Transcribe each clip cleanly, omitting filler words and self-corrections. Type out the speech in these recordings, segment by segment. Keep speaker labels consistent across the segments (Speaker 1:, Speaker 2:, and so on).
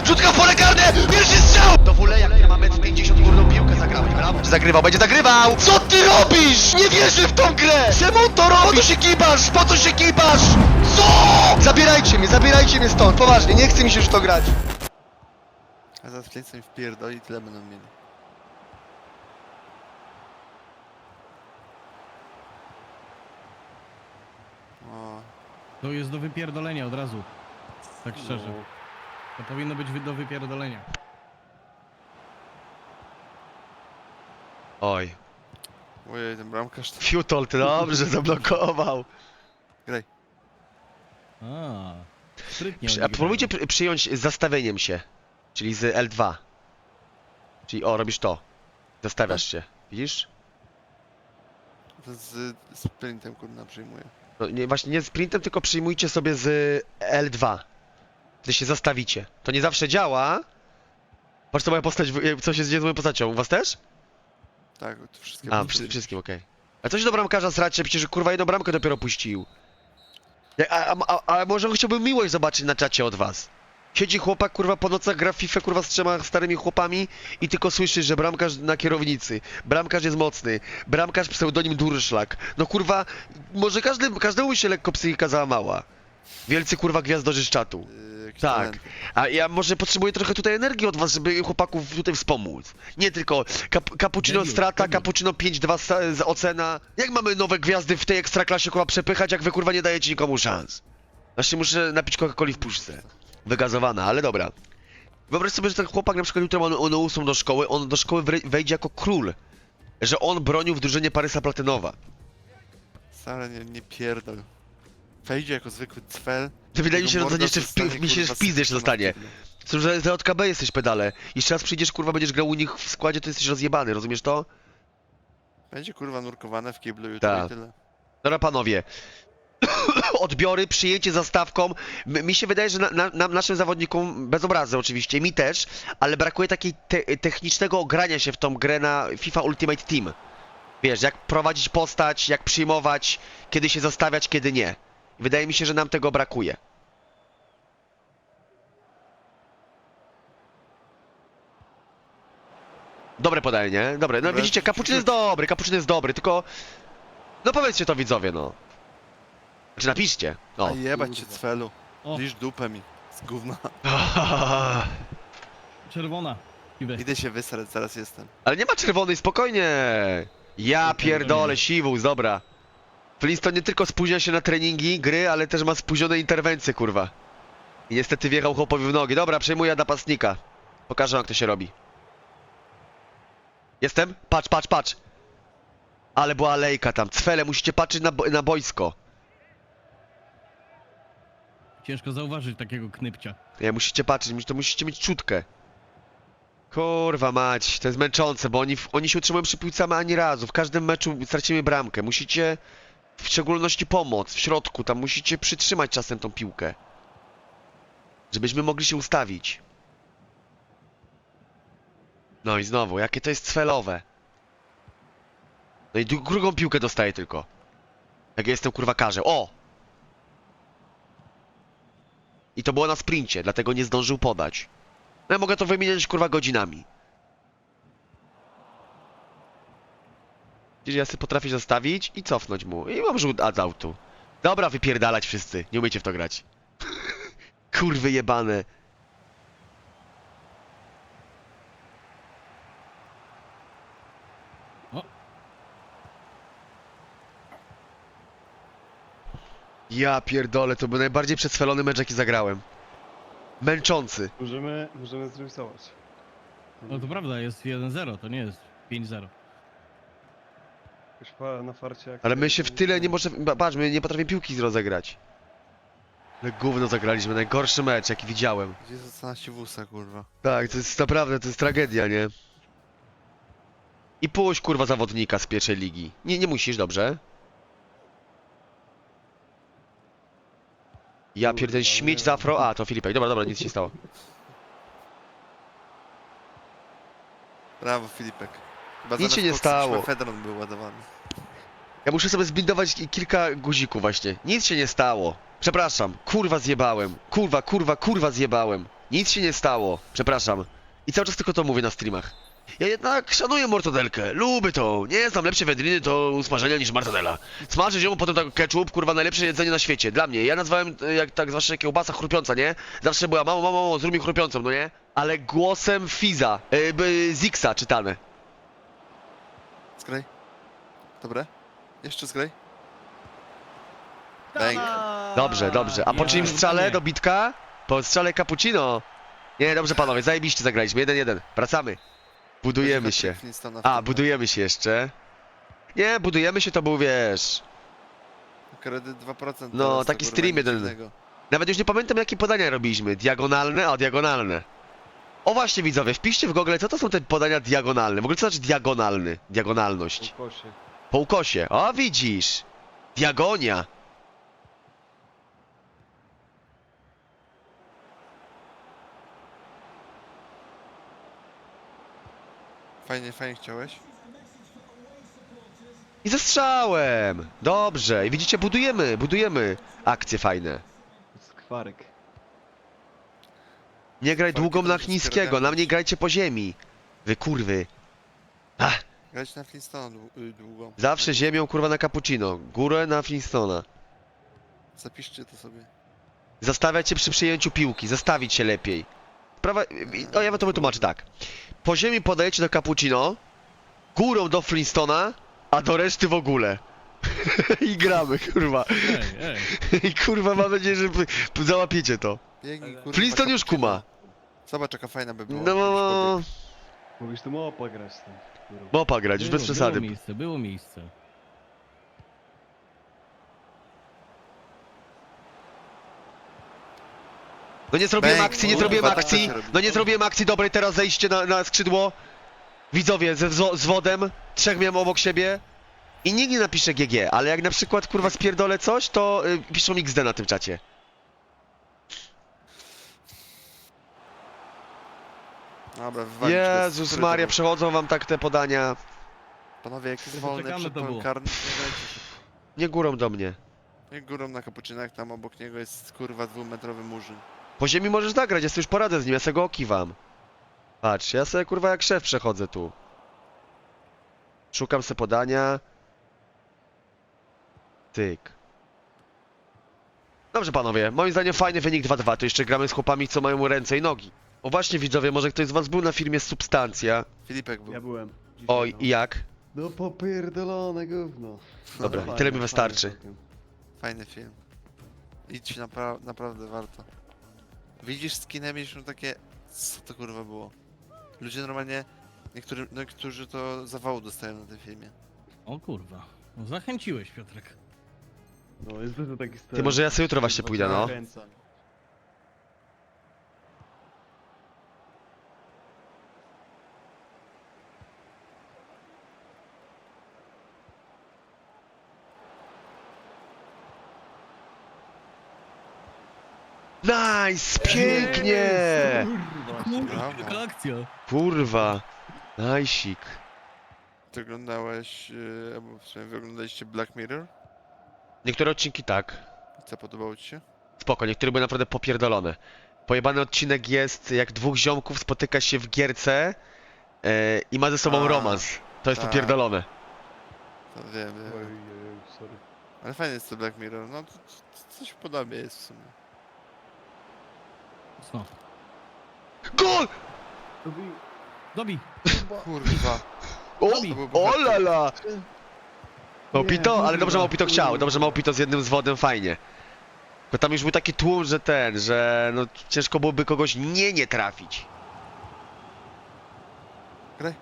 Speaker 1: Rzutka w pole karne! Pierwszy strzał! Do Wuleja, który ma 1,50 m górną piłkę zagrałeś, brawo. Zagrywał, będzie zagrywał! Co ty robisz? Nie wierzę w tą grę! Czemu to robisz? Po co się kibasz? Po co się kibasz? Co? Zabierajcie mnie stąd, poważnie, nie chce mi się już to grać.
Speaker 2: A zaraz Flince mi wpierdoli i tyle będą mieli. O,
Speaker 3: To jest do wypierdolenia od razu. Tak szczerze.
Speaker 2: no.
Speaker 3: To powinno być do wypierdolenia.
Speaker 1: Oj,
Speaker 2: Ojej, ten bramkarz to...
Speaker 1: Fiutol, ty dobrze zablokował.
Speaker 2: Graj.
Speaker 3: A, sprytnie
Speaker 1: A
Speaker 3: oni
Speaker 1: próbujcie
Speaker 3: grają.
Speaker 1: przyjąć z zastawieniem się, czyli z L2. Czyli o, robisz to. Zastawiasz się, widzisz?
Speaker 2: To z sprintem kurna przyjmuje.
Speaker 1: No, nie, właśnie nie z sprintem, tylko przyjmujcie sobie z L2. Gdy się zastawicie. To nie zawsze działa. Patrz co moja postać, co się dzieje z moją postacią. U was też?
Speaker 2: Tak, to wszystkie...
Speaker 1: A, wszystkim, okej. A co się do bramkarza sracie? Przecież kurwa jedną bramkę dopiero puścił. A może chciałbym miłość zobaczyć na czacie od was. Siedzi chłopak kurwa po nocach, gra w FIFA kurwa z 3 starymi chłopami i tylko słyszy, że bramkarz na kierownicy. Bramkarz jest mocny. Bramkarz pseudonim Durszlak. No kurwa, może każdemu się lekko psychika załamała. Wielcy kurwa gwiazdorzy z czatu.
Speaker 2: Jakieś
Speaker 1: Tak,
Speaker 2: talenty.
Speaker 1: a ja może potrzebuję trochę tutaj energii od was, żeby chłopaków tutaj wspomóc. Nie tylko cappuccino
Speaker 3: Debiut,
Speaker 1: strata,
Speaker 3: debiut.
Speaker 1: cappuccino 5-2 z ocena. Jak mamy nowe gwiazdy w tej ekstraklasie kurwa przepychać, jak wy kurwa nie dajecie nikomu szans? Właśnie muszę napić Coca-Coli w puszce. Wygazowana, ale dobra. Wyobraź sobie, że ten chłopak na przykład jutro on 8 do szkoły, on do szkoły wejdzie jako król. Że on bronił w drużynie Parysa Platynowa.
Speaker 2: Wcale nie pierdol. Wejdzie jako zwykły cfel.
Speaker 1: To wydaje mi się, że
Speaker 2: Jego
Speaker 1: to jeszcze
Speaker 2: morda zostanie,
Speaker 1: mi się
Speaker 2: kurwa,
Speaker 1: w pizdy jeszcze
Speaker 2: sypana
Speaker 1: dostanie.
Speaker 2: w kiblu.
Speaker 1: Co, że za JKB jesteś pedale. Jeszcze raz przyjdziesz, kurwa, będziesz grał u nich w składzie, to jesteś rozjebany, rozumiesz to?
Speaker 2: Będzie kurwa nurkowane w kiblu jutro
Speaker 1: Tak.
Speaker 2: i tyle.
Speaker 1: Dobra, panowie. Odbiory, przyjęcie zastawką. Mi się wydaje, że naszym zawodnikom, bez obrazy oczywiście, mi też, ale brakuje takiej technicznego ogrania się w tą grę na FIFA Ultimate Team. Wiesz, jak prowadzić postać, jak przyjmować, kiedy się zastawiać, kiedy nie. Wydaje mi się, że nam tego brakuje. Dobre podanie, nie? Dobre. No
Speaker 2: Dobre.
Speaker 1: widzicie, Cappuccino jest dobry, tylko... No powiedzcie to widzowie, no. Znaczy napiszcie.
Speaker 2: A
Speaker 1: O.
Speaker 2: jebać cię cfelu.
Speaker 3: O,
Speaker 2: Lisz dupę mi. Z gówna.
Speaker 3: czerwona. Idę.
Speaker 2: Idę się wysrać, zaraz jestem.
Speaker 1: Ale nie ma czerwonej, spokojnie. Ja pierdolę, siwus, dobra. Flintstone nie tylko spóźnia się na treningi, gry, ale też ma spóźnione interwencje, kurwa. I niestety wjechał chłopowi w nogi. Dobra, przejmuję napastnika. Pokażę, jak to się robi. Jestem? Patrz. Ale była alejka tam. Cfele, musicie patrzeć na boisko.
Speaker 3: Ciężko zauważyć takiego knypcia.
Speaker 1: Nie, musicie patrzeć, to musicie mieć czutkę. Kurwa mać, to jest męczące, bo oni się utrzymują przy piłce ani razu. W każdym meczu stracimy bramkę. Musicie, w szczególności pomoc w środku, tam musicie przytrzymać czasem tą piłkę. Żebyśmy mogli się ustawić. No i znowu, jakie to jest cfelowe. No i drugą piłkę dostaję tylko. Jak ja jestem kurwa karzeł. O! I to było na sprincie, dlatego nie zdążył podać. No ja mogę to wymieniać kurwa godzinami. Widzisz, ja sobie potrafię zastawić i cofnąć mu. I mam rzut z autu. Dobra, wypierdalać wszyscy. Nie umiecie w to grać. Kurwy jebane.
Speaker 3: O.
Speaker 1: Ja pierdolę, to był najbardziej przeswelony mecz, jaki zagrałem. Męczący.
Speaker 4: Możemy zremisować.
Speaker 3: No to prawda, jest 1-0, to nie jest 5-0.
Speaker 4: Jakoś na farcie jak...
Speaker 1: Ale my się w tyle nie możemy... Patrz, my nie potrafimy piłki rozegrać. Ale gówno zagraliśmy, najgorszy mecz, jaki widziałem.
Speaker 2: Gdzie została siwusa, kurwa?
Speaker 1: Tak, to jest naprawdę, to jest tragedia, nie? I puść kurwa zawodnika z pierwszej ligi. Nie musisz, dobrze? Ja pierdolę, śmieć z afro... A, to Filipek, dobra, nic się nie stało.
Speaker 2: Brawo, Filipek. Chyba
Speaker 1: Nic się
Speaker 2: zamiast
Speaker 1: nie
Speaker 2: Foxa
Speaker 1: stało.
Speaker 2: Szwefedron był ładowany.
Speaker 1: Ja muszę sobie zbindować kilka guzików właśnie. Nic się nie stało. Przepraszam, kurwa zjebałem. Kurwa zjebałem. Nic się nie stało, przepraszam. I cały czas tylko to mówię na streamach. Ja jednak szanuję mortadelkę, lubię to. Nie znam lepsze wędliny do usmażenia niż mortadela. Smażyć ją, potem tak ketchup, kurwa, najlepsze jedzenie na świecie. Dla mnie. Ja nazwałem, jak tak zwłaszcza kiełbasa chrupiąca, nie? Zawsze była, mamo, zrób mi chrupiącą, no nie? Ale głosem Fiza, Zixa czytane.
Speaker 2: Zgraj. Dobre. Jeszcze zgraj. Bang.
Speaker 1: Dobrze, dobrze. A po
Speaker 3: Ja-
Speaker 1: czyim strzale
Speaker 3: nie.
Speaker 1: do bitka? Po strzale cappuccino. Nie, dobrze panowie, zajebiście zagraliśmy. 1-1. Wracamy. Budujemy
Speaker 2: Będzie
Speaker 1: się.
Speaker 2: hat-trick Flintstona w
Speaker 1: A,
Speaker 2: tym
Speaker 1: budujemy się jeszcze. Nie, budujemy się to był, wiesz...
Speaker 2: meczu. Kredyt 2%.
Speaker 1: No,
Speaker 2: teraz,
Speaker 1: taki
Speaker 2: to kurwa
Speaker 1: stream
Speaker 2: nic
Speaker 1: jeden.
Speaker 2: dziwnego.
Speaker 1: Nawet już nie pamiętam jakie podania robiliśmy. Diagonalne? O, diagonalne. O właśnie widzowie, wpiszcie w Google, co to są te podania diagonalne. W ogóle co znaczy diagonalny? Diagonalność.
Speaker 4: Ukosie.
Speaker 1: Po ukosie. O, widzisz. Diagonia.
Speaker 2: Fajnie, fajnie chciałeś.
Speaker 1: I ze strzałem. Dobrze. I widzicie, budujemy akcje fajne.
Speaker 4: Skwarek.
Speaker 1: Nie graj
Speaker 2: Walki
Speaker 1: długą
Speaker 2: to
Speaker 1: na
Speaker 2: muszę
Speaker 1: chińskiego, na
Speaker 2: spierdalać.
Speaker 1: mnie grajcie po ziemi. Wy kurwy. Ach,
Speaker 2: Grać na Flintstona długo.
Speaker 1: zawsze ziemią kurwa na cappuccino, górę na Flintstona.
Speaker 2: Zapiszcie to sobie.
Speaker 1: Zastawiać się przy przyjęciu piłki, zastawić się lepiej. Sprawa... No ja wam to wytłumaczę tak. Po ziemi podajecie do cappuccino, górą do Flintstona, a do reszty w ogóle. I gramy, kurwa.
Speaker 3: Ej.
Speaker 1: I kurwa mam nadzieję, że załapiecie to.
Speaker 2: Biegnij, kurwa,
Speaker 1: Flintstone już
Speaker 2: cappuccino.
Speaker 1: kuma.
Speaker 2: Zobacz, jaka fajna by była.
Speaker 1: No,
Speaker 2: jakbyś pobiegł.
Speaker 4: Mówisz tu mopa grać tam. kurwa.
Speaker 1: mopa grać, już bez przesady.
Speaker 3: Było miejsce.
Speaker 1: No nie zrobiłem
Speaker 2: Bang,
Speaker 1: akcji, nie
Speaker 2: kurwa,
Speaker 1: zrobiłem
Speaker 2: tak to
Speaker 1: akcji.
Speaker 2: się robi.
Speaker 1: No nie zrobiłem akcji dobrej, teraz zejście na skrzydło. Widzowie z wodem, trzech miałem obok siebie. I nikt nie napisze GG, ale jak na przykład kurwa spierdolę coś, to piszą XD na tym czacie.
Speaker 2: Dobra, wywalić go z
Speaker 1: Jezus
Speaker 2: który
Speaker 1: Maria,
Speaker 2: to był?
Speaker 1: przechodzą wam tak te podania.
Speaker 2: Panowie, jak jest
Speaker 3: To
Speaker 2: wolny
Speaker 3: poczekamy,
Speaker 2: przed
Speaker 3: to
Speaker 2: polem
Speaker 3: było.
Speaker 2: karnym, nie grajcie się.
Speaker 1: Nie górą do mnie.
Speaker 2: Jak górą na kapuczynach, tam obok niego jest kurwa 2-metrowy murzyn.
Speaker 1: Po ziemi możesz zagrać, ja sobie już poradzę z nim, ja sobie go okiwam. Patrz, ja sobie kurwa jak szef przechodzę tu. Szukam se podania. Tyk. Dobrze panowie, moim zdaniem fajny wynik 2-2, to jeszcze gramy z chłopami, co mają ręce i nogi. O właśnie widzowie, może ktoś z was był na filmie Substancja.
Speaker 2: Filipek był.
Speaker 4: Ja byłem. Dzisiaj,
Speaker 1: Oj,
Speaker 4: no.
Speaker 1: i jak?
Speaker 4: No popierdolone gówno.
Speaker 1: Dobra,
Speaker 4: Fajne,
Speaker 1: tyle mi
Speaker 4: fajne
Speaker 1: wystarczy.
Speaker 4: całkiem.
Speaker 2: Fajny film. Idź, naprawdę warto. Widzisz skinem już takie... Co to kurwa było? Ludzie normalnie... Niektórzy to zawału dostają na tym filmie.
Speaker 3: O kurwa. No, zachęciłeś, Piotrek.
Speaker 4: No jest to taki styl.
Speaker 1: Ty, może ja sobie jutro właśnie pójdę, no.
Speaker 4: Zachęcam.
Speaker 1: Nice, pięknie!
Speaker 4: Kurwa,
Speaker 2: Brawo.
Speaker 3: Jaka akcja.
Speaker 1: Kurwa, najsik.
Speaker 2: Ty oglądałeś... albo w sumie wy oglądaliście Black Mirror?
Speaker 1: Niektóre odcinki tak.
Speaker 2: I co, podobało ci się?
Speaker 1: Spoko, niektóre były naprawdę popierdolone. Pojebany odcinek jest, jak dwóch ziomków spotyka się w gierce i ma ze sobą
Speaker 2: A,
Speaker 1: romans. To jest
Speaker 2: tak.
Speaker 1: popierdolone.
Speaker 2: To wiem,
Speaker 4: Oj,
Speaker 2: wiem.
Speaker 4: oj, oj, sorry.
Speaker 2: Ale fajny jest to Black Mirror, no to coś podobnie jest w sumie.
Speaker 3: No.
Speaker 1: GOL!
Speaker 3: Dobij.
Speaker 2: Kurwa.
Speaker 1: O,
Speaker 2: To był
Speaker 1: o
Speaker 2: bohater.
Speaker 1: lala! Małpito,
Speaker 4: Nie,
Speaker 1: ale dobrze
Speaker 4: kurwa,
Speaker 1: Małpito chciał,
Speaker 4: kurwa.
Speaker 1: dobrze Małpito z jednym z wodem, fajnie. Bo tam już był taki tłum, że no ciężko byłoby kogoś nie trafić.
Speaker 2: Graj.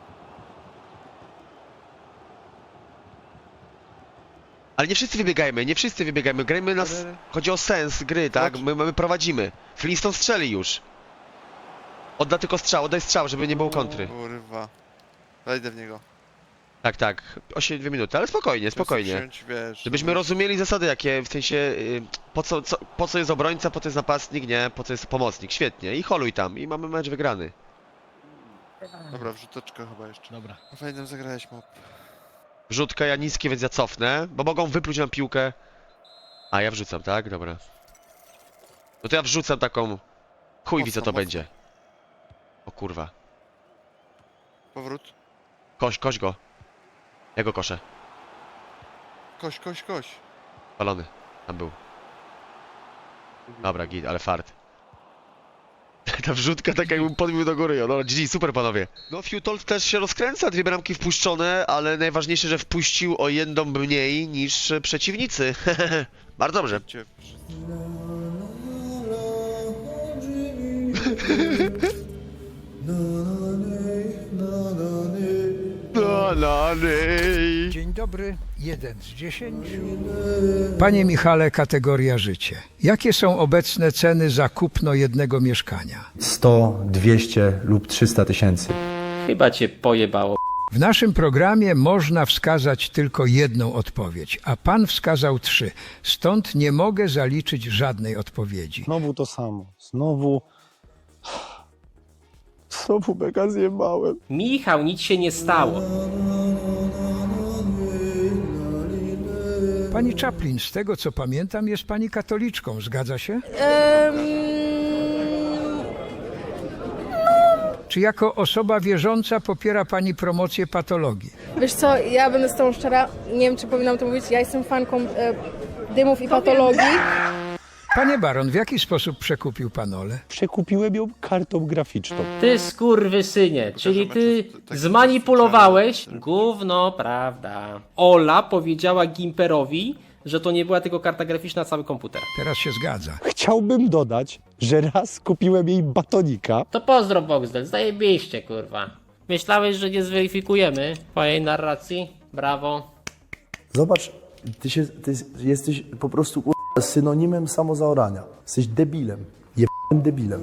Speaker 1: Ale nie wszyscy wybiegajmy, nie wszyscy wybiegajmy, grajmy nas... Chodzi o sens gry, tak?
Speaker 2: Chodź.
Speaker 1: My prowadzimy. Flintstone strzeli już. Odda tylko strzał, oddaj strzał, żeby nie było kontry.
Speaker 2: Kurwa. Wejdę w niego.
Speaker 1: Tak, tak. 2 minuty, ale spokojnie, spokojnie.
Speaker 2: Wziąć, wiesz,
Speaker 1: Żebyśmy rozumieli zasady jakie, w sensie po co jest obrońca, po co jest napastnik, nie? Po co jest pomocnik, świetnie. I holuj tam i mamy mecz wygrany.
Speaker 2: Dobra, wrzuteczka chyba jeszcze.
Speaker 3: Dobra.
Speaker 2: No fajnie zagrałeś, mop.
Speaker 1: Wrzutka, ja niskie, więc ja cofnę, bo mogą wypluć nam piłkę. A, ja wrzucam, tak? Dobra. No to ja wrzucam taką Chuj wie co to
Speaker 2: Mocno,
Speaker 1: będzie. O kurwa.
Speaker 2: Powrót.
Speaker 1: Koś go. Ja go koszę.
Speaker 2: Koś.
Speaker 1: Palony. Tam był. Dobra, git, ale fart. Ta wrzutka taka jakbym podbił do góry. No GG, super panowie. No Futol też się rozkręca, 2 bramki wpuszczone, ale najważniejsze, że wpuścił o jedną mniej niż przeciwnicy. Bardzo dobrze.
Speaker 2: Cię-
Speaker 5: Dzień dobry, 1 z 10. Panie Michale, kategoria życie. Jakie są obecne ceny za kupno jednego mieszkania?
Speaker 6: 100, 200 lub 300 tysięcy.
Speaker 7: Chyba cię pojebało.
Speaker 5: W naszym programie można wskazać tylko jedną odpowiedź, a pan wskazał 3. Stąd nie mogę zaliczyć żadnej odpowiedzi.
Speaker 8: Znowu to samo. Znowu mega zjebałem.
Speaker 7: Michał, nic się nie stało.
Speaker 5: Pani Chaplin, z tego co pamiętam, jest pani katoliczką, zgadza się? Czy jako osoba wierząca popiera pani promocję patologii?
Speaker 9: Wiesz co, ja będę z tobą szczera, nie wiem czy powinnam to mówić, ja jestem fanką dymów i patologii.
Speaker 5: Panie Baron, w jaki sposób przekupił pan Olę?
Speaker 8: Przekupiłem ją kartą graficzną.
Speaker 7: Ty skurwysynie, czyli ty zmanipulowałeś gówno, prawda. Ola powiedziała Gimperowi, że to nie była tylko karta graficzna, cały komputer.
Speaker 5: Teraz się zgadza.
Speaker 8: Chciałbym dodać, że raz kupiłem jej batonika.
Speaker 7: To pozdro Boxdel, zajebiście kurwa. Myślałeś, że nie zweryfikujemy twojej narracji? Brawo.
Speaker 10: Zobacz, ty jesteś po prostu synonimem samozaorania. Jesteś debilem. Jebnym debilem.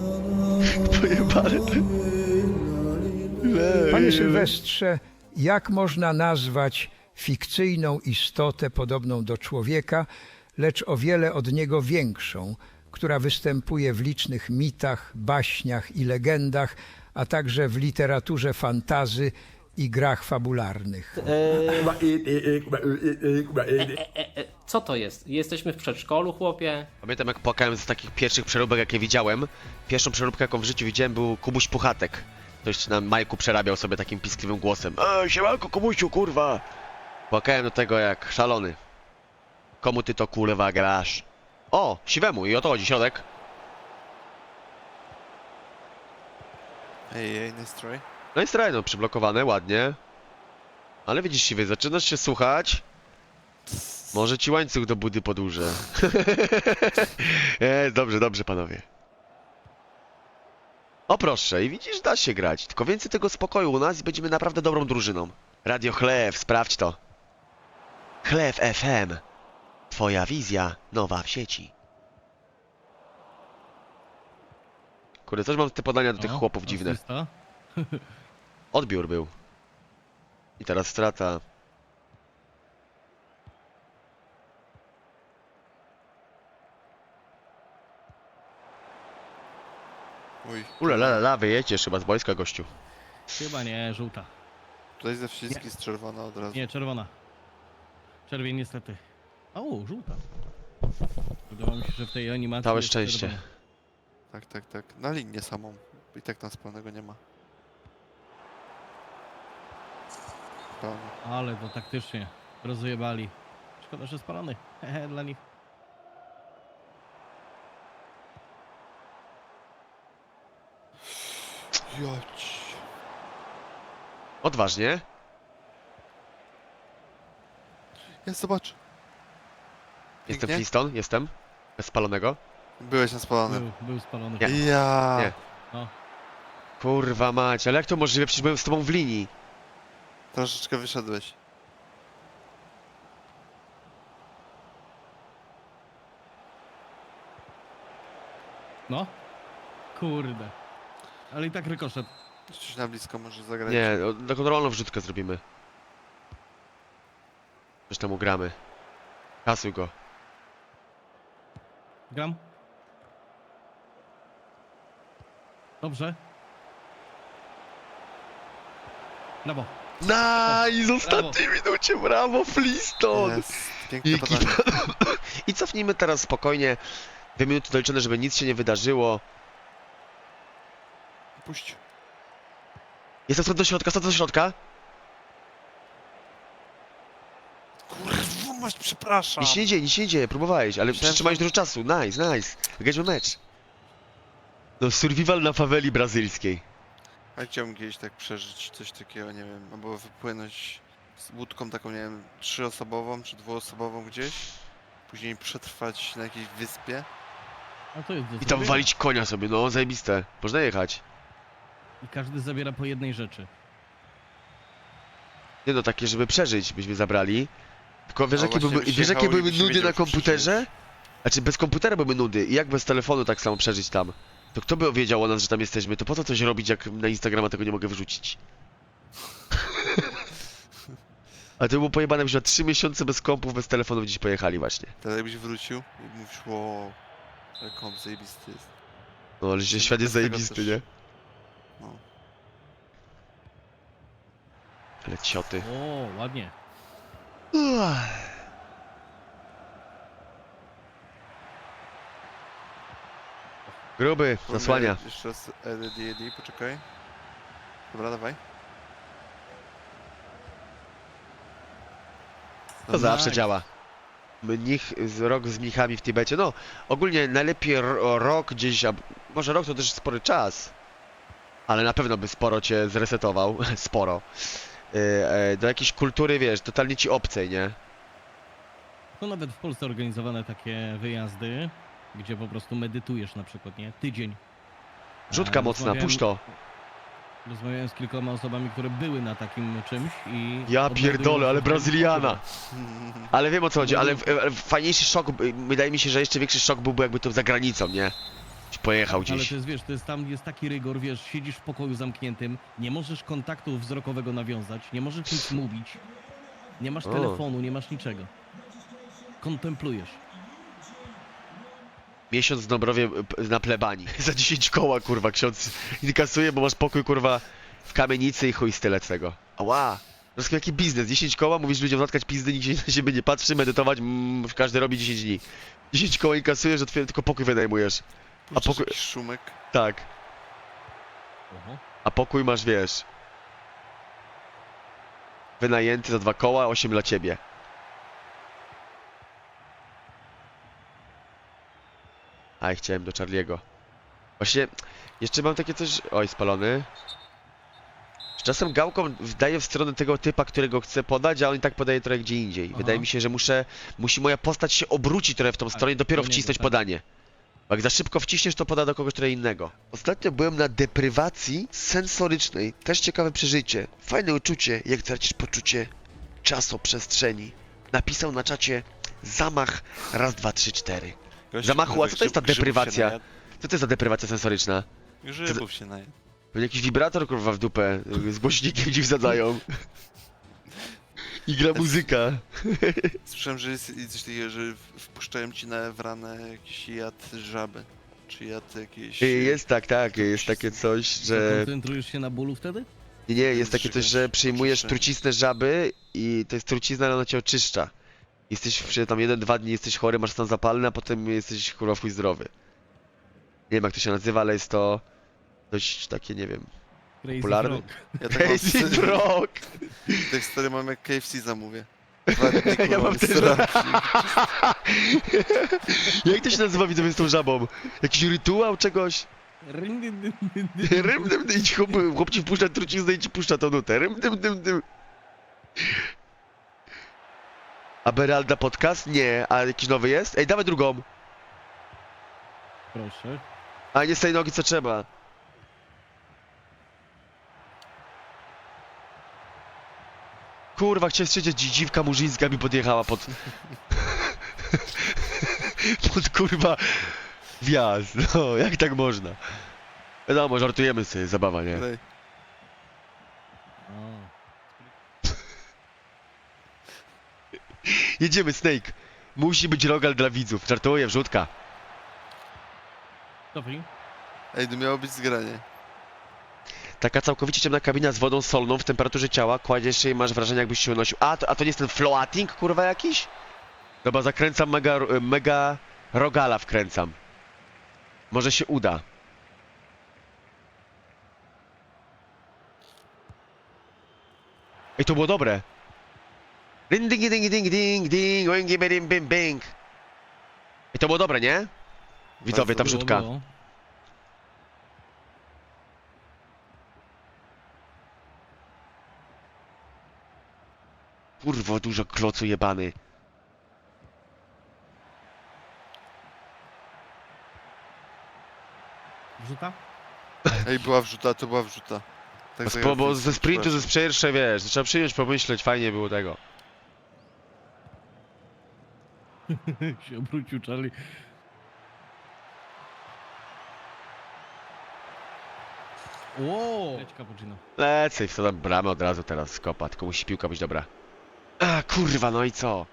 Speaker 5: Panie Sylwestrze, jak można nazwać fikcyjną istotę podobną do człowieka, lecz o wiele od niego większą, która występuje w licznych mitach, baśniach i legendach, a także w literaturze fantazy i grach fabularnych?
Speaker 7: Co to jest? Jesteśmy w przedszkolu, chłopie?
Speaker 1: Pamiętam jak płakałem z takich pierwszych przeróbek jakie widziałem. Pierwszą przeróbkę jaką w życiu widziałem był Kubuś Puchatek. Ktoś na majku przerabiał sobie takim piskliwym głosem. Siemanko Kubusiu, kurwa! Płakałem do tego jak szalony. Komu ty to kurwa grasz? O, siwemu i o to chodzi, środek.
Speaker 2: Ej, nice try.
Speaker 1: No i strajno, przyblokowane, ładnie. Ale widzisz siwy, zaczynasz się słuchać. Może ci łańcuch do budy podłużę. Dobrze panowie. O proszę, i widzisz, da się grać. Tylko więcej tego spokoju u nas i będziemy naprawdę dobrą drużyną. Radio Chlew, sprawdź to. Chlew FM. Twoja wizja nowa w sieci. Kurde, coś mam te podania do tych
Speaker 3: O,
Speaker 1: chłopów dziwne.
Speaker 3: asysta.
Speaker 1: Odbiór był. I teraz strata.
Speaker 2: Uj,
Speaker 1: Ulalala, wyjedziesz chyba z boiska, gościu.
Speaker 3: Chyba nie, żółta.
Speaker 2: tutaj ze wszystkich jest czerwona od razu.
Speaker 3: Nie, czerwona. Czerwień niestety. O, żółta. Wydawało mi się, że w tej animacji
Speaker 1: Całe
Speaker 3: jest
Speaker 1: szczęście.
Speaker 3: czerwona.
Speaker 2: Tak. Na linię samą. I tak nas pełnego nie ma. Pełno.
Speaker 3: Ale to taktycznie. Rozjebali. Szkoda, że spalony. Hehe, dla nich.
Speaker 2: Jać.
Speaker 1: Odważnie.
Speaker 2: Ja zobacz.
Speaker 1: Jestem
Speaker 2: Pięknie.
Speaker 1: Fliston, jestem. Bez spalonego.
Speaker 2: Byłeś na spalonym.
Speaker 3: Był spalony.
Speaker 1: Nie.
Speaker 2: Ja.
Speaker 1: Nie.
Speaker 3: No.
Speaker 1: Kurwa mać, ale jak to możliwe? Przecież byłem z tobą w linii.
Speaker 2: Troszeczkę wyszedłeś.
Speaker 3: No. Kurde. Ale i tak rykoszet.
Speaker 2: Coś na blisko może zagrać.
Speaker 1: Nie, na kontrolną wrzutkę zrobimy. Coś tam ugramy. Kasuj go.
Speaker 3: Gram. Dobrze. Brawo.
Speaker 1: Nice, ostatniej minucie, brawo Fliston!
Speaker 2: Jest. Piękne
Speaker 1: Jaki
Speaker 2: podanie.
Speaker 1: I cofnijmy teraz spokojnie. 2 minuty doliczone, żeby nic się nie wydarzyło.
Speaker 2: Puść.
Speaker 1: Jestem stąd do środka, stąd do środka.
Speaker 2: Kurwa, masz, przepraszam.
Speaker 1: Nic się nie dzieje, próbowałeś, ale
Speaker 2: Myślałem,
Speaker 1: przytrzymałeś
Speaker 2: że-
Speaker 1: dużo czasu. Nice. Wygraliśmy mecz. No, survival na faweli brazylijskiej.
Speaker 2: A chciałbym kiedyś tak przeżyć coś takiego, nie wiem, albo wypłynąć z łódką taką, nie wiem, 3-osobową czy 2-osobową gdzieś. Później przetrwać na jakiejś wyspie.
Speaker 3: A to jest do
Speaker 1: I tam
Speaker 3: zrobienia.
Speaker 1: walić konia sobie, no, zajebiste. Można jechać.
Speaker 3: I każdy zabiera po jednej rzeczy.
Speaker 1: Nie no, takie, żeby przeżyć, byśmy zabrali. Tylko wiesz,
Speaker 2: A
Speaker 1: jakie
Speaker 2: właśnie
Speaker 1: były,
Speaker 2: byś
Speaker 1: wiesz, jakie
Speaker 2: jechał i
Speaker 1: były
Speaker 2: byś nie
Speaker 1: nudy
Speaker 2: wiedział,
Speaker 1: na
Speaker 2: czy
Speaker 1: komputerze?
Speaker 2: przeżyjesz.
Speaker 1: Znaczy, bez komputera były nudy. I jak bez telefonu tak samo przeżyć tam? To kto by wiedział o nas, że tam jesteśmy? To po co coś robić, jak na Instagrama tego nie mogę wyrzucić? A to było pojebane, byśmy na 3 miesiące bez kompów, bez telefonów gdzieś pojechali właśnie.
Speaker 2: Teraz jakbyś wrócił i mówisz, wow, ale komp zajebisty jest.
Speaker 1: No, ale że świat jest
Speaker 2: Bez tego
Speaker 1: zajebisty,
Speaker 2: też.
Speaker 1: nie?
Speaker 2: No.
Speaker 1: Ale cioty.
Speaker 3: O, ładnie.
Speaker 1: Gruby, zasłania.
Speaker 2: Jeszcze raz ED, poczekaj. Dobra, dawaj.
Speaker 1: To zawsze
Speaker 3: Nice.
Speaker 1: działa. Rok z mnichami w Tybecie. No, ogólnie najlepiej rok gdzieś, może rok to też spory czas. Ale na pewno by sporo cię zresetował. Sporo. Do jakiejś kultury, wiesz, totalnie ci obcej, nie?
Speaker 3: To nawet w Polsce organizowane takie wyjazdy, gdzie po prostu medytujesz na przykład, nie? Tydzień.
Speaker 1: Rzutka mocna, puść to.
Speaker 3: Rozmawiałem z kilkoma osobami, które były na takim czymś i...
Speaker 1: Ja
Speaker 3: odnajdują
Speaker 1: pierdolę, ale
Speaker 3: się w
Speaker 1: Brazyliana. Ale wiem o co chodzi, ale fajniejszy szok, wydaje mi się, że jeszcze większy szok byłby jakby to za granicą, nie? Pojechał
Speaker 3: Ale
Speaker 1: gdzieś.
Speaker 3: to jest, wiesz, to jest tam jest taki rygor, wiesz, siedzisz w pokoju zamkniętym, nie możesz kontaktu wzrokowego nawiązać, nie możesz nic mówić, nie masz
Speaker 1: O.
Speaker 3: telefonu, nie masz niczego. Kontemplujesz.
Speaker 1: Miesiąc w Dąbrowie na plebanii. Za 10 koła, kurwa, ksiądz inkasuje, bo masz pokój, kurwa, w kamienicy i chuj z tyle z tego. Ała! To jaki biznes, 10 koła, mówisz ludziom zatkać pizdy, nikt się na siebie nie patrzy, medytować, każdy robi 10 dni. 10 koła inkasujesz, że tylko pokój wynajmujesz.
Speaker 2: Puszczasz
Speaker 1: pokój-
Speaker 2: jakiś szumek.
Speaker 1: Tak.
Speaker 3: Oho.
Speaker 1: A pokój masz, wiesz... Wynajęty za 2 koła, 8 dla ciebie. Aj, chciałem do Charlie'ego. Właśnie, jeszcze mam takie coś... Oj, spalony. Z czasem gałką daję w stronę tego typa, którego chcę podać, a on i tak podaje trochę gdzie indziej.
Speaker 3: Aha.
Speaker 1: Wydaje mi się, że musi moja postać się obrócić trochę w tą stronę i dopiero
Speaker 3: do niego,
Speaker 1: wcisnąć
Speaker 3: tak.
Speaker 1: podanie. Bo jak za szybko wciśniesz, to poda do kogoś trochę innego. Ostatnio byłem na deprywacji sensorycznej. Też ciekawe przeżycie. Fajne uczucie, jak tracisz poczucie czasoprzestrzeni. Napisał na czacie zamach raz, dwa, trzy, cztery. Zamachu, a co to jest ta deprywacja? Co to jest za deprywacja sensoryczna?
Speaker 2: Grzybów się najadł.
Speaker 1: Pewnie jakiś wibrator, kurwa, w dupę. Z głośnikiem ci wsadzają. I gra muzyka.
Speaker 2: Słyszałem, że jest coś takiego, że wpuszczają ci w ranę jakiś jad żaby. Czy jad jakiejś...
Speaker 1: Jest tak, jest takie coś, że...
Speaker 3: Koncentrujesz się na bólu wtedy?
Speaker 1: Nie, jest takie coś, że przyjmujesz
Speaker 2: oczyszczenie.
Speaker 1: truciznę żaby i to jest trucizna, ale ona cię oczyszcza. Jesteś przez tam 1-2 dni jesteś chory, masz stan zapalny, a potem jesteś kurwa w chuj zdrowy. Nie wiem jak to się nazywa, ale jest to dość takie, nie wiem,
Speaker 3: Crazy
Speaker 1: popularne.
Speaker 3: Frog.
Speaker 2: Ja tak mam
Speaker 1: Crazy
Speaker 2: wstyd,
Speaker 1: Frog!
Speaker 2: tak stary mam jak KFC zamówię. 2 dni,
Speaker 1: Ja
Speaker 2: kurwa,
Speaker 1: mam też...
Speaker 2: strach.
Speaker 1: Jak to się nazywa, widzowie, z tą żabą? Jakiś rytuał czegoś?
Speaker 3: Rym, dym, dym, dym, dym.
Speaker 1: Rym, dym, dym, chłop ci wpuszcza truciznę i ci puszcza tą nutę. Rym, dym, dym, dym. A Beralda podcast? Nie. A jakiś nowy jest? Ej, dawaj drugą.
Speaker 3: Proszę.
Speaker 1: A nie z tej nogi co trzeba. Kurwa, chciałem strzelić, dziwka murzyńska mi podjechała pod... pod kurwa... wjazd. No, jak tak można? Wiadomo, żartujemy sobie, zabawa, nie?
Speaker 2: Daj.
Speaker 3: O.
Speaker 1: Jedziemy, Snake. Musi być rogal dla widzów. Żartuję, wrzutka.
Speaker 3: Cofnij.
Speaker 2: Ej, to miało być zgranie.
Speaker 1: Taka całkowicie ciemna kabina z wodą solną w temperaturze ciała, kładziesz się i masz wrażenie jakbyś się unosił. A to nie jest ten floating, kurwa, jakiś? Dobra, zakręcam mega rogala wkręcam. Może się uda. Ej, to było dobre. Ding, ding, ding, ding, ding, ding, oingi, bing, bing, bing. Ej, to było dobre, nie? Widzowie, ta
Speaker 2: Bardzo
Speaker 1: wrzutka.
Speaker 3: Było.
Speaker 1: Kurwo, dużo klocu jebany.
Speaker 3: Wrzuta?
Speaker 2: Ej, była wrzuta, to była wrzuta. Tak
Speaker 1: Bo ze sprintu, ze pierwsze, wiesz, trzeba przyjąć, pomyśleć, fajnie było tego.
Speaker 3: się obrócił Charlie. Wow! Leć cappuccino.
Speaker 1: Lecę i w to tam bramę od razu teraz skopa, tylko musi piłka być dobra. A, kurwa, no i co?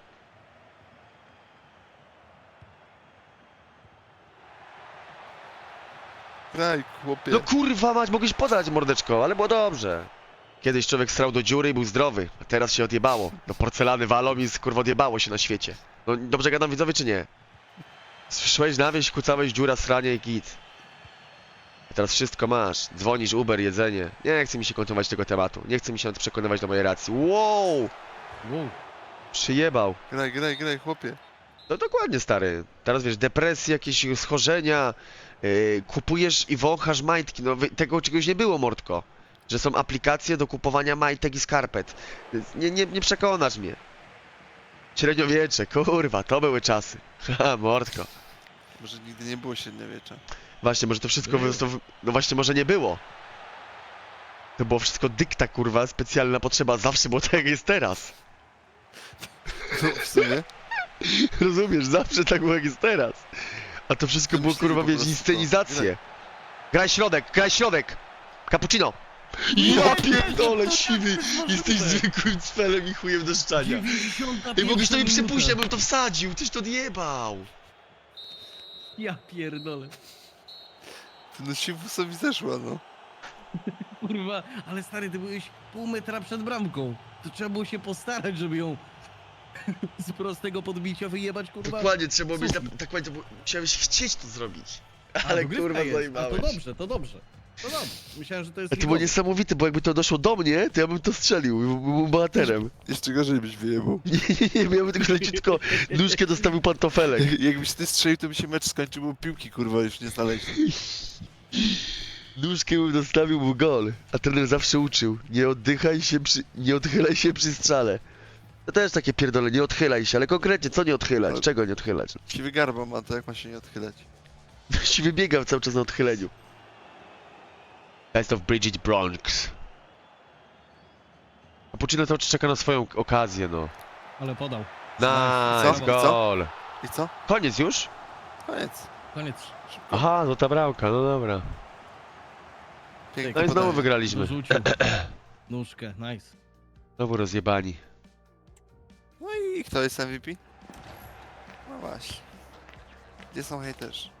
Speaker 2: Graj, chłopie.
Speaker 1: No kurwa mać, mogłeś podać mordeczko, ale było dobrze. Kiedyś człowiek strał do dziury i był zdrowy, a teraz się odjebało. Do porcelany walą i kurwa odjebało się na świecie. No dobrze gadam widzowie czy nie? Szłeś na wieś, kucałeś dziura, sranie i git. A teraz wszystko masz. Dzwonisz, Uber, jedzenie. Nie chce mi się kontynuować tego tematu. Nie chce mi się nawet przekonywać do mojej racji. Wow!
Speaker 3: Wow.
Speaker 1: Przyjebał.
Speaker 2: Graj, chłopie.
Speaker 1: No dokładnie, stary. Teraz wiesz, depresje, jakieś schorzenia, kupujesz i wąchasz majtki. No tego czegoś nie było, mordko. Że są aplikacje do kupowania majtek i skarpet. Nie przekonasz mnie. Średniowiecze, kurwa, to były czasy. Ha, mordko.
Speaker 2: Może nigdy nie było średniowiecza.
Speaker 1: Właśnie, może to wszystko... No właśnie, może nie było. To było wszystko dykta, kurwa, specjalna potrzeba. Zawsze było tak, jak jest teraz.
Speaker 2: No, w sumie.
Speaker 1: Rozumiesz, zawsze tak było jak jest teraz. A to wszystko było
Speaker 2: Wymyślili
Speaker 1: kurwa,
Speaker 2: po
Speaker 1: wiesz,
Speaker 2: prostu
Speaker 1: inscenizację. Graj środek! Cappuccino! Ja pierdolę, siwy! Jesteś zwykłym cfelem i chujem do szczania.
Speaker 3: 95
Speaker 1: Ej, mogłeś to mi
Speaker 3: minuta.
Speaker 1: przypuścić, ja bym to wsadził, tyś to odjebał.
Speaker 3: Ja pierdolę.
Speaker 2: No Siwusowi zeszła, no.
Speaker 3: Kurwa, ale stary, ty byłeś pół metra przed bramką. To trzeba było się postarać, żeby ją z prostego podbicia wyjebać, kurwa.
Speaker 1: Dokładnie, trzeba było mieć,
Speaker 3: Sufit.
Speaker 1: tak powiem, musiałeś chcieć to zrobić.
Speaker 3: A,
Speaker 1: Ale
Speaker 3: dogrywka
Speaker 1: kurwa,
Speaker 3: jest. A
Speaker 1: zajebałeś.
Speaker 3: to dobrze, to dobrze. To dobrze. Myślałem, że to jest...
Speaker 1: A to było
Speaker 3: ligowe.
Speaker 1: niesamowite, bo jakby to doszło do mnie, to ja bym to strzelił, byłbym bohaterem.
Speaker 2: Jeszcze gorzej byś wyjebał.
Speaker 1: Nie, miałbym tylko leciutko nóżkę dostawił pantofelek.
Speaker 2: Jakbyś ty strzelił, to by się mecz skończył, bo piłki kurwa już nie znaleźli.
Speaker 1: Nóżkę bym dostawił mu gol, a trener zawsze uczył. Nie odchylaj się przy strzale. To też takie pierdolę, nie odchylaj się, ale konkretnie, co nie odchylać?
Speaker 2: Ale-
Speaker 1: Czego nie odchylać?
Speaker 2: Siwy garba ma, to jak ma się nie odchylać?
Speaker 1: Siwy biegał cały czas na odchyleniu. Best of Bridget Bronx. A Puccino cały czas czeka na swoją okazję, no.
Speaker 3: Ale podał.
Speaker 1: Nice,
Speaker 2: Co?
Speaker 1: gol.
Speaker 2: I co?
Speaker 1: Koniec już?
Speaker 2: Koniec.
Speaker 3: Koniec.
Speaker 1: Aha, no ta bramka, no dobra.
Speaker 2: Pięknie
Speaker 1: No i znowu
Speaker 2: podanie.
Speaker 1: wygraliśmy.
Speaker 3: Dorzucił. Nóżkę, nice.
Speaker 1: Znowu rozjebani.
Speaker 2: No i kto jest MVP? No właśnie. Gdzie są hejterzy?